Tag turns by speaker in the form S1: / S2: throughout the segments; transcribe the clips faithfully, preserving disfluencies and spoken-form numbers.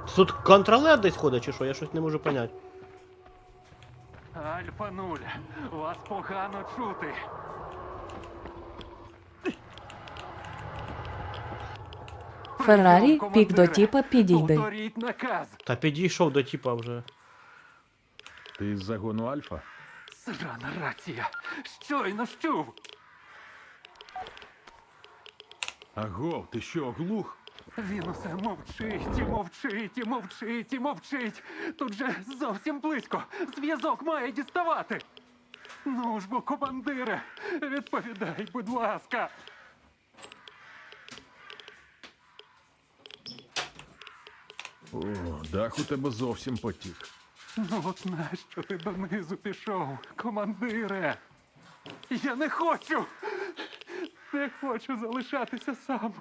S1: Тут контролер десь ходить чи що? Я щось не можу поняти.
S2: Альфа нуль, вас погано чути.
S3: Феррарі,
S2: Прийом,
S3: пік до
S2: командире.
S3: тіпа підійди.
S2: Повторіть наказ.
S1: Та підійшов до тіпа вже.
S4: Ти з загону Альфа?
S2: Срана рація. Щойно чув.
S4: Агов, ти що, оглух?
S2: Він усе мовчить і мовчить і мовчить і мовчить. Тут же зовсім близько. Зв'язок має діставати. Ну ж бо, командире, відповідай, будь ласка.
S4: О, дах у тебе зовсім потік.
S2: Ну от нащо ти донизу пішов, командире? Я не хочу! Не хочу залишатися сам.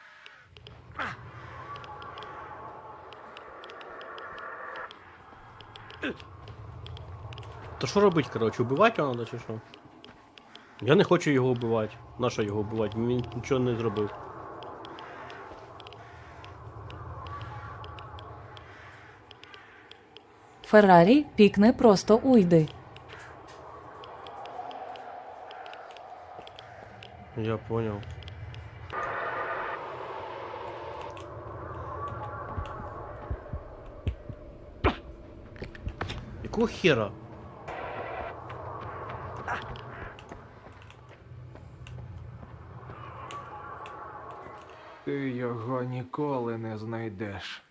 S1: То що робить, коротше, убивати його треба чи що? Я не хочу його вбивати. Нащо його вбивати? Він нічого не зробив.
S3: Феррарі, пікни просто уйди.
S1: Я понял. Якого хера?
S5: Ти його ніколи не знайдеш.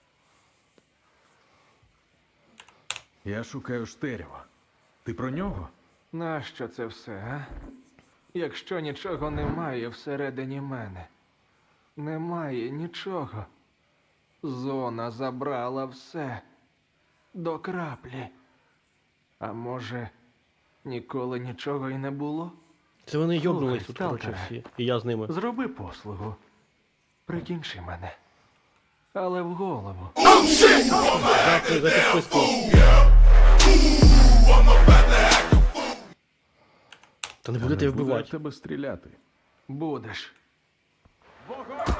S4: Я шукаю Штерєва. Ти про нього?
S5: Нащо це все, а? Якщо нічого немає всередині мене. Немає нічого. Зона забрала все. До краплі. А може, ніколи нічого і не було?
S1: Це вони йобнулись
S5: Слухай,
S1: тут, коротше,
S5: сталкере.
S1: всі. І я з ними.
S5: Зроби послугу. Прикінчи мене. Але в голову.
S1: Дякую за підписку. Та не будете
S4: Не буду я в
S1: вбивати.
S4: тебе стріляти.
S5: Будеш.
S2: Вогонь!